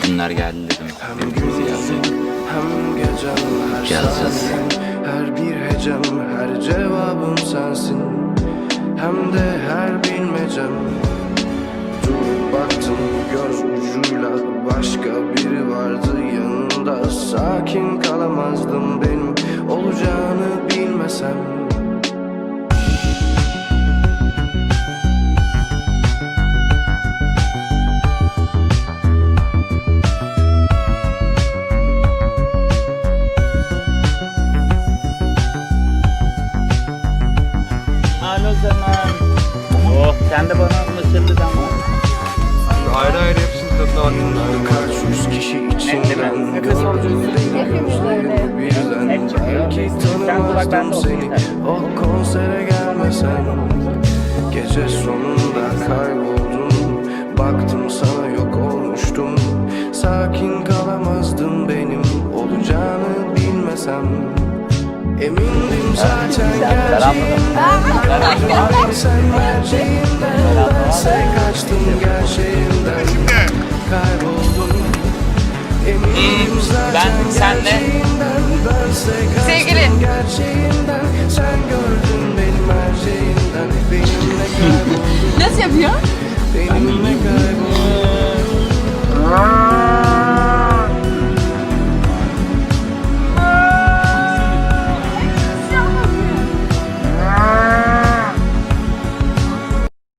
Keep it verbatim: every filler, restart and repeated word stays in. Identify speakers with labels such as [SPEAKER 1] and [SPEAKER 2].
[SPEAKER 1] günler geldi dedim. Birbirimizi yazsaydık.
[SPEAKER 2] Hem gecem her
[SPEAKER 1] Yazacağız.
[SPEAKER 2] saatim, her bir hecem, her cevabım sensin. Hem de her bilmecem. Durup baktım göz ucuyla, başka biri vardı yanında. Sakin kalamazdım benim olacağını bilmesem.
[SPEAKER 1] Alo zaman. Oh sen de bana mısırlı zaman.
[SPEAKER 3] Ayrı ayrı hepsinin tadına bakın.
[SPEAKER 2] Kaç yüz kişi içinden gördüm gözlerini birden. Belki tanımazdım seni o konsere gelmesen. Gece sonunda kayboldum, baktım sana yok olmuştum. Sakin kalamazdım benim olacağını bilmesem. Emindim zaten gerçeğinden, sen merceğinden. Bense kaçtım gerçeğinden, kayboldum. Eminim zaten
[SPEAKER 1] ben senle-
[SPEAKER 2] gerçeğinden, bense kaçtım
[SPEAKER 4] Sevgili.
[SPEAKER 2] gerçeğinden. Sen gördün benim merceğinden, benimle kayboldun.
[SPEAKER 4] Nasıl yapıyor?
[SPEAKER 2] Benimle kayboldun.